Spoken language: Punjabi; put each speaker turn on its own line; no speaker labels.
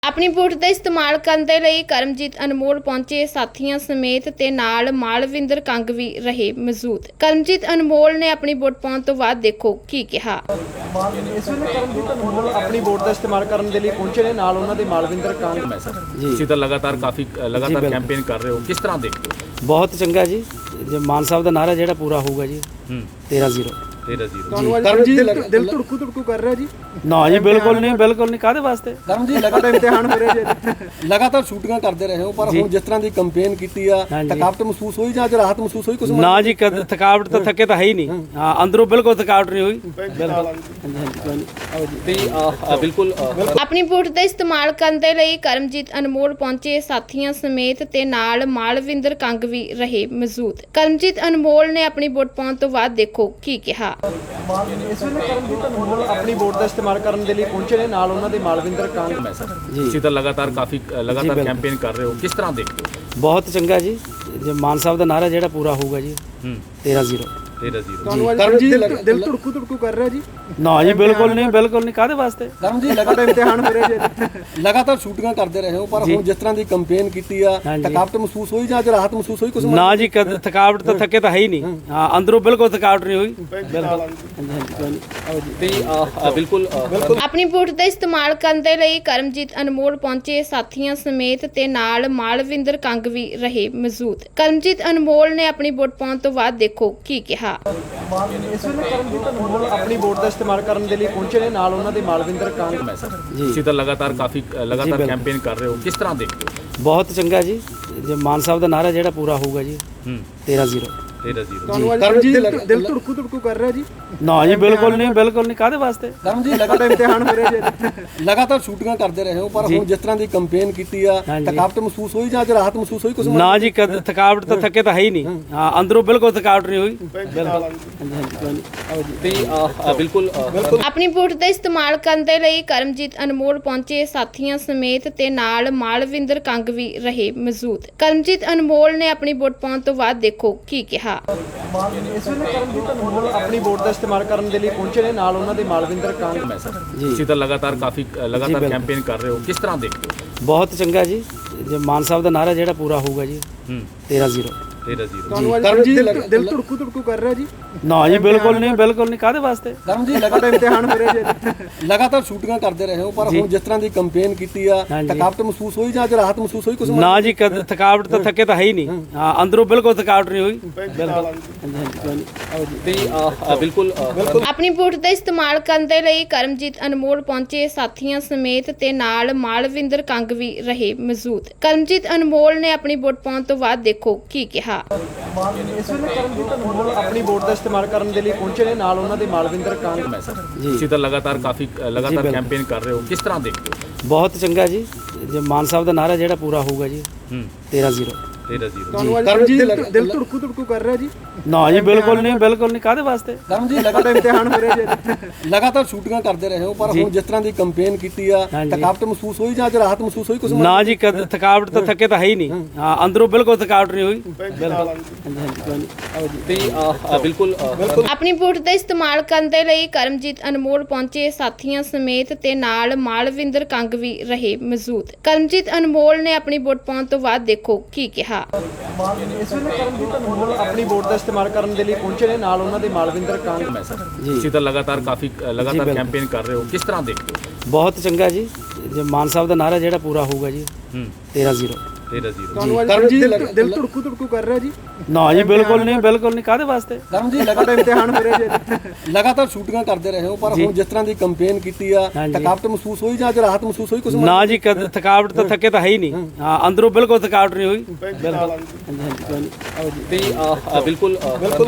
ਆਪਣੀ ਵੋਟ ਦਾ ਇਸਤੇਮਾਲ ਕਰਨ ਦੇ ਲਈ ਕਰਮਜੀਤ ਅਨਮੋਲ ਪਹੁੰਚੇ ਸਾਥੀਆਂ ਸਮੇਤ ਤੇ ਨਾਲ ਮਾਲਵਿੰਦਰ ਕੰਗ ਵੀ ਰਹੇ ਮੌਜੂਦ। ਕਰਮਜੀਤ ਅਨਮੋਲ ਨੇ ਆਪਣੀ ਵੋਟ ਪਾਉਣ ਤੋਂ ਬਾਅਦ ਦੇਖੋ ਕੀ ਕਿਹਾ।
ਇਸ ਵੇਲੇ ਕਰਮਜੀਤ ਅਨਮੋਲ ਆਪਣੀ ਵੋਟ ਦਾ ਇਸਤੇਮਾਲ ਕਰਨ ਦੇ ਲਈ ਪਹੁੰਚੇ ਨੇ, ਨਾਲ ਉਹਨਾਂ ਦੇ ਮਾਲਵਿੰਦਰ ਕੰਗ।
ਤੁਸੀਂ ਤਾਂ ਲਗਾਤਾਰ ਕੈਂਪੇਨ ਕਰ ਰਹੇ ਹੋ, ਕਿਸ ਤਰ੍ਹਾਂ ਦੇਖਦੇ ਹੋ?
ਬਹੁਤ ਚੰਗਾ ਜੀ। ਜੇ ਮਾਨ ਸਾਹਿਬ ਦਾ ਨਾਰਾ ਜਿਹੜਾ ਪੂਰਾ ਹੋਊਗਾ ਜੀ 13-0।
ਕਰਮਜੀਤ ਦਿਲ ਧੜਕੂ ਕਰ ਰਿਹਾ ਜੀ।
ਨਾ ਜੀ ਬਿਲਕੁਲ ਨਹੀਂ ਕਾਹਦੇ ਵਾਸਤੇ।
ਕਰਮਜੀਤ ਲਗਾਤਾਰ ਇਮਤਿਹਾਨ ਹੋ ਰਿਹਾ ਜੀ, ਲਗਾਤਾਰ ਸ਼ੂਟਿੰਗਾਂ ਕਰਦੇ ਰਹੇ ਹੋ, ਪਰ ਹੁਣ ਜਿਸ ਤਰ੍ਹਾਂ ਦੀ ਕੰਪੇਨ ਕੀਤੀ ਆ, ਥਕਾਵਟ ਮਹਿਸੂਸ ਹੋਈ ਜਾਂ ਰਾਹਤ ਮਹਿਸੂਸ ਹੋਈ? ਕੁਝ
ਨਾ ਜੀ, ਥਕਾਵਟ ਤਾਂ ਥੱਕੇ ਤਾਂ ਹੈ ਹੀ ਨਹੀਂ। ਹਾਂ, ਅੰਦਰੋਂ ਬਿਲਕੁਲ ਥਕਾਵਟ ਨਹੀਂ ਹੋਈ।
ਬਿਲਕੁਲ
ਆਪਣੀ ਵੋਟ ਦਾ ਇਸਤੇਮਾਲ ਕਰਨ ਦੇ ਲਈ ਕਰਮਜੀਤ ਅਨਮੋਲ ਪਹੁੰਚੇ ਸਾਥੀਆਂ ਸਮੇਤ ਤੇ ਨਾਲ ਮਾਲਵਿੰਦਰ ਕੰਗ ਵੀ ਰਹੇ ਮੌਜੂਦ। ਕਰਮਜੀਤ ਅਨਮੋਲ ਨੇ ਆਪਣੀ ਵੋਟ ਪਾਉਣ ਤੋਂ ਬਾਅਦ ਦੇਖੋ ਕੀ ਕਿਹਾ।
ਇਸ ਵੇਲੇ ਕਰਮਜੀਤ ਅਨਮੋਲ ਆਪਣੀ ਵੋਟ ਦਾ ਇਸਤੇਮਾਲ ਕਰਨ ਦੇ ਲਈ ਪਹੁੰਚੇ ਨੇ, ਨਾਲ ਉਹਨਾਂ ਦੇ ਮਾਲਵਿੰਦਰ ਕੰਗ।
ਤੁਸੀਂ ਤਾਂ ਲਗਾਤਾਰ ਕੈਂਪੇਨ ਕਰ ਰਹੇ ਹੋ, ਕਿਸ ਤਰ੍ਹਾਂ ਦੇਖਦੇ ਹੋ?
ਬਹੁਤ ਚੰਗਾ ਜੀ। ਜੇ ਮਾਨ ਸਾਹਿਬ ਦਾ ਨਾਰਾ ਜਿਹੜਾ ਪੂਰਾ ਹੋਊਗਾ ਜੀ 13-0।
ਕਰਮਜੀਤ ਦਿਲ ਧੜਕੂ ਕਰ ਰਿਹਾ ਜੀ।
ਨਾ ਜੀ ਬਿਲਕੁਲ ਨਹੀਂ ਕਾਹਦੇ ਵਾਸਤੇ।
ਕਰਮਜੀਤ ਲਗਾਤਾਰ ਇਮਤਿਹਾਨ ਹੋ ਰਿਹਾ ਜੀ, ਲਗਾਤਾਰ ਸ਼ੂਟਿੰਗਾਂ ਕਰਦੇ ਰਹੇ ਹੋ, ਪਰ ਹੁਣ ਜਿਸ ਤਰ੍ਹਾਂ ਦੀ ਕੰਪੇਨ ਕੀਤੀ ਆ, ਥਕਾਵਟ ਮਹਿਸੂਸ ਹੋਈ ਜਾਂ ਰਾਹਤ ਮਹਿਸੂਸ ਹੋਈ? ਕੁਝ
ਨਾ ਜੀ, ਥਕਾਵਟ ਤਾਂ ਥੱਕੇ ਤਾਂ ਹੈ ਹੀ ਨਹੀਂ। ਹਾਂ, ਅੰਦਰੋਂ ਬਿਲਕੁਲ ਥਕਾਵਟ ਨਹੀਂ ਹੋਈ।
ਬਿਲਕੁਲ
ਆਪਣੀ ਵੋਟ ਦਾ ਇਸਤੇਮਾਲ ਕਰਨ ਦੇ ਲਈ ਕਰਮਜੀਤ ਅਨਮੋਲ ਪਹੁੰਚੇ ਸਾਥੀਆਂ ਸਮੇਤ ਤੇ ਨਾਲ ਮਾਲਵਿੰਦਰ ਕੰਗ ਵੀ ਰਹੇ ਮੌਜੂਦ। ਕਰਮਜੀਤ ਅਨਮੋਲ ਨੇ ਆਪਣੀ ਵੋਟ ਪਾਉਣ ਤੋਂ ਬਾਅਦ ਦੇਖੋ ਕੀ ਕਿਹਾ।
ਇਸ ਵੇਲੇ ਕਰਮਜੀਤ ਅਨਮੋਲ ਆਪਣੀ ਵੋਟ ਦਾ ਇਸਤੇਮਾਲ ਕਰਨ ਦੇ ਲਈ ਪਹੁੰਚੇ ਨੇ, ਨਾਲ ਉਹਨਾਂ ਦੇ ਮਾਲਵਿੰਦਰ ਕੰਗ।
ਤੁਸੀਂ ਤਾਂ ਲਗਾਤਾਰ ਕੈਂਪੇਨ ਕਰ ਰਹੇ ਹੋ, ਕਿਸ ਤਰ੍ਹਾਂ ਦੇਖਦੇ ਹੋ?
ਬਹੁਤ ਚੰਗਾ ਜੀ। ਜੇ ਮਾਨ ਸਾਹਿਬ ਦਾ ਨਾਰਾ ਜਿਹੜਾ ਪੂਰਾ ਹੋਊਗਾ ਜੀ 13-0।
ਕਰਮਜੀਤ ਦਿਲ ਧੜਕੂ ਕਰ ਰਿਹਾ ਜੀ।
ਨਾ ਜੀ ਬਿਲਕੁਲ ਨਹੀਂ ਕਾਹਦੇ ਵਾਸਤੇ।
ਕਰਮਜੀਤ ਲਗਾਤਾਰ ਇਮਤਿਹਾਨ ਹੋ ਰਿਹਾ ਜੀ, ਲਗਾਤਾਰ ਸ਼ੂਟਿੰਗਾਂ ਕਰਦੇ ਰਹੇ ਹੋ, ਪਰ ਹੁਣ ਜਿਸ ਤਰ੍ਹਾਂ ਦੀ ਕੰਪੇਨ ਕੀਤੀ ਆ, ਥਕਾਵਟ ਮਹਿਸੂਸ ਹੋਈ ਜਾਂ ਰਾਹਤ ਮਹਿਸੂਸ ਹੋਈ? ਕੁਝ
ਨਾ ਜੀ, ਥਕਾਵਟ ਤਾਂ ਥੱਕੇ ਤਾਂ ਹੈ ਹੀ ਨਹੀਂ। ਹਾਂ, ਅੰਦਰੋਂ ਬਿਲਕੁਲ ਥਕਾਵਟ ਨਹੀਂ ਹੋਈ।
ਬਿਲਕੁਲ
ਆਪਣੀ ਵੋਟ ਦਾ ਇਸਤੇਮਾਲ ਕਰਨ ਦੇ ਲਈ ਕਰਮਜੀਤ ਅਨਮੋਲ ਪਹੁੰਚੇ ਸਾਥੀਆਂ ਸਮੇਤ ਤੇ ਨਾਲ ਮਾਲਵਿੰਦਰ ਕੰਗ ਵੀ ਰਹੇ ਮੌਜੂਦ। ਕਰਮਜੀਤ ਅਨਮੋਲ ਨੇ ਆਪਣੀ ਵੋਟ ਪਾਉਣ ਤੋਂ ਬਾਅਦ ਦੇਖੋ ਕੀ ਕਿਹਾ।
ਇਸ ਵੇਲੇ ਕਰਮਜੀਤ ਅਨਮੋਲ ਆਪਣੀ ਵੋਟ ਦਾ ਇਸਤੇਮਾਲ ਕਰਨ ਦੇ ਲਈ ਪਹੁੰਚੇ ਨੇ, ਨਾਲ ਉਹਨਾਂ ਦੇ ਮਾਲਵਿੰਦਰ ਕੰਗ।
ਤੁਸੀਂ ਤਾਂ ਲਗਾਤਾਰ ਕੈਂਪੇਨ ਕਰ ਰਹੇ ਹੋ, ਕਿਸ ਤਰ੍ਹਾਂ ਦੇਖਦੇ ਹੋ?
ਬਹੁਤ ਚੰਗਾ ਜੀ। ਜੇ ਮਾਨ ਸਾਹਿਬ ਦਾ ਨਾਰਾ ਜਿਹੜਾ ਪੂਰਾ ਹੋਊਗਾ ਜੀ 13-0।
ਕਰਮਜੀਤ ਦਿਲ ਧੜਕੂ ਕਰ ਰਿਹਾ ਜੀ।
ਨਾ ਜੀ ਬਿਲਕੁਲ ਨਹੀਂ ਕਾਹਦੇ ਵਾਸਤੇ।
ਕਰਮਜੀਤ ਲਗਾਤਾਰ ਇਮਤਿਹਾਨ ਹੋ ਰਿਹਾ ਜੀ, ਲਗਾਤਾਰ ਸ਼ੂਟਿੰਗਾਂ ਕਰਦੇ ਰਹੇ ਹੋ, ਪਰ ਹੁਣ ਜਿਸ ਤਰ੍ਹਾਂ ਦੀ ਕੰਪੇਨ ਕੀਤੀ ਆ, ਥਕਾਵਟ ਮਹਿਸੂਸ ਹੋਈ ਜਾਂ ਰਾਹਤ ਮਹਿਸੂਸ ਹੋਈ? ਕੁਝ
ਨਾ ਜੀ, ਥਕਾਵਟ ਤਾਂ ਥੱਕੇ ਤਾਂ ਹੈ ਹੀ ਨਹੀਂ। ਹਾਂ, ਅੰਦਰੋਂ ਬਿਲਕੁਲ ਥਕਾਵਟ ਨਹੀਂ ਹੋਈ।
ਬਿਲਕੁਲ
ਆਪਣੀ ਵੋਟ ਦਾ ਇਸਤੇਮਾਲ ਕਰਨ ਦੇ ਲਈ ਕਰਮਜੀਤ ਅਨਮੋਲ ਪਹੁੰਚੇ ਸਾਥੀਆਂ ਸਮੇਤ ਤੇ ਨਾਲ ਮਾਲਵਿੰਦਰ ਕੰਗ ਵੀ ਰਹੇ ਮੌਜੂਦ। ਕਰਮਜੀਤ ਅਨਮੋਲ ਨੇ ਆਪਣੀ ਵੋਟ ਪਾਉਣ ਤੋਂ ਬਾਅਦ ਦੇਖੋ ਕੀ ਕਿਹਾ।
ਇਸ ਵੇਲੇ ਕਰਮਜੀਤ ਅਨਮੋਲ ਆਪਣੀ ਵੋਟ ਦਾ ਇਸਤੇਮਾਲ ਕਰਨ ਦੇ ਲਈ ਪਹੁੰਚੇ ਨੇ, ਨਾਲ ਉਹਨਾਂ ਦੇ ਮਾਲਵਿੰਦਰ ਕੰਗ।
ਤੁਸੀਂ ਤਾਂ ਲਗਾਤਾਰ ਕੈਂਪੇਨ ਕਰ ਰਹੇ ਹੋ, ਕਿਸ ਤਰ੍ਹਾਂ ਦੇਖਦੇ ਹੋ?
ਬਹੁਤ ਚੰਗਾ ਜੀ। ਜੇ ਮਾਨ ਸਾਹਿਬ ਦਾ ਨਾਰਾ ਜਿਹੜਾ ਪੂਰਾ ਹੋਊਗਾ ਜੀ 13-0।
ਕਰਮਜੀਤ ਦਿਲ ਧੜਕੂ ਕਰ ਰਿਹਾ ਜੀ।
ਨਾ ਜੀ ਬਿਲਕੁਲ ਨਹੀਂ ਕਾਹਦੇ ਵਾਸਤੇ।
ਕਰਮਜੀਤ ਲਗਾਤਾਰ ਇਮਤਿਹਾਨ ਹੋ ਰਿਹਾ ਜੀ, ਲਗਾਤਾਰ ਸ਼ੂਟਿੰਗਾਂ ਕਰਦੇ ਰਹੇ ਹੋ, ਪਰ ਹੁਣ ਜਿਸ ਤਰ੍ਹਾਂ ਦੀ ਕੰਪੇਨ ਕੀਤੀ ਆ, ਥਕਾਵਟ ਮਹਿਸੂਸ ਹੋਈ ਜਾਂ ਰਾਹਤ ਮਹਿਸੂਸ ਹੋਈ? ਕੁਝ
ਨਾ ਜੀ, ਥਕਾਵਟ ਤਾਂ ਥੱਕੇ ਤਾਂ ਹੈ ਹੀ ਨਹੀਂ। ਹਾਂ, ਅੰਦਰੋਂ ਬਿਲਕੁਲ ਥਕਾਵਟ ਨਹੀਂ ਹੋਈ।
ਬਿਲਕੁਲ
ਆਪਣੀ ਵੋਟ ਦਾ ਇਸਤੇਮਾਲ ਕਰਨ ਦੇ ਲਈ ਕਰਮਜੀਤ ਅਨਮੋਲ ਪਹੁੰਚੇ ਸਾਥੀਆਂ ਸਮੇਤ ਤੇ ਨਾਲ ਮਾਲਵਿੰਦਰ ਕੰਗ ਵੀ ਰਹੇ ਮੌਜੂਦ। ਕਰਮਜੀਤ ਅਨਮੋਲ ਨੇ ਆਪਣੀ ਵੋਟ ਪਾਉਣ ਤੋਂ ਬਾਅਦ ਦੇਖੋ ਕੀ ਕਿਹਾ।
ਇਸ ਵੇਲੇ ਕਰਮਜੀਤ ਅਨਮੋਲ ਆਪਣੀ ਵੋਟ ਦਾ ਇਸਤੇਮਾਲ ਕਰਨ ਦੇ ਲਈ ਪਹੁੰਚੇ ਨੇ, ਨਾਲ ਉਹਨਾਂ ਦੇ ਮਾਲਵਿੰਦਰ ਕੰਗ।
ਤੁਸੀਂ ਤਾਂ ਲਗਾਤਾਰ ਕੈਂਪੇਨ ਕਰ ਰਹੇ ਹੋ, ਕਿਸ ਤਰ੍ਹਾਂ ਦੇਖਦੇ ਹੋ?
ਬਹੁਤ ਚੰਗਾ ਜੀ। ਜੇ ਮਾਨ ਸਾਹਿਬ ਦਾ ਨਾਰਾ ਜਿਹੜਾ ਪੂਰਾ ਹੋਊਗਾ ਜੀ 13-0।
ਕਰਮਜੀਤ ਦਿਲ ਧੜਕੂ ਕਰ ਰਿਹਾ ਜੀ।
ਨਾ ਜੀ ਬਿਲਕੁਲ ਨਹੀਂ ਕਾਹਦੇ ਵਾਸਤੇ।
ਕਰਮਜੀਤ ਲਗਾਤਾਰ ਇਮਤਿਹਾਨ ਹੋ ਰਿਹਾ ਜੀ, ਲਗਾਤਾਰ ਸ਼ੂਟਿੰਗਾਂ ਕਰਦੇ ਰਹੇ ਹੋ, ਪਰ ਹੁਣ ਜਿਸ ਤਰ੍ਹਾਂ ਦੀ ਕੰਪੇਨ ਕੀਤੀ ਆ, ਥਕਾਵਟ ਮਹਿਸੂਸ ਹੋਈ ਜਾਂ ਰਾਹਤ ਮਹਿਸੂਸ ਹੋਈ? ਕੁਝ
ਨਾ ਜੀ, ਥਕਾਵਟ ਤਾਂ ਥੱਕੇ ਤਾਂ ਹੈ ਹੀ ਨਹੀਂ। ਹਾਂ, ਅੰਦਰੋਂ ਬਿਲਕੁਲ ਥਕਾਵਟ ਨਹੀਂ ਹੋਈ।
ਬਿਲਕੁਲ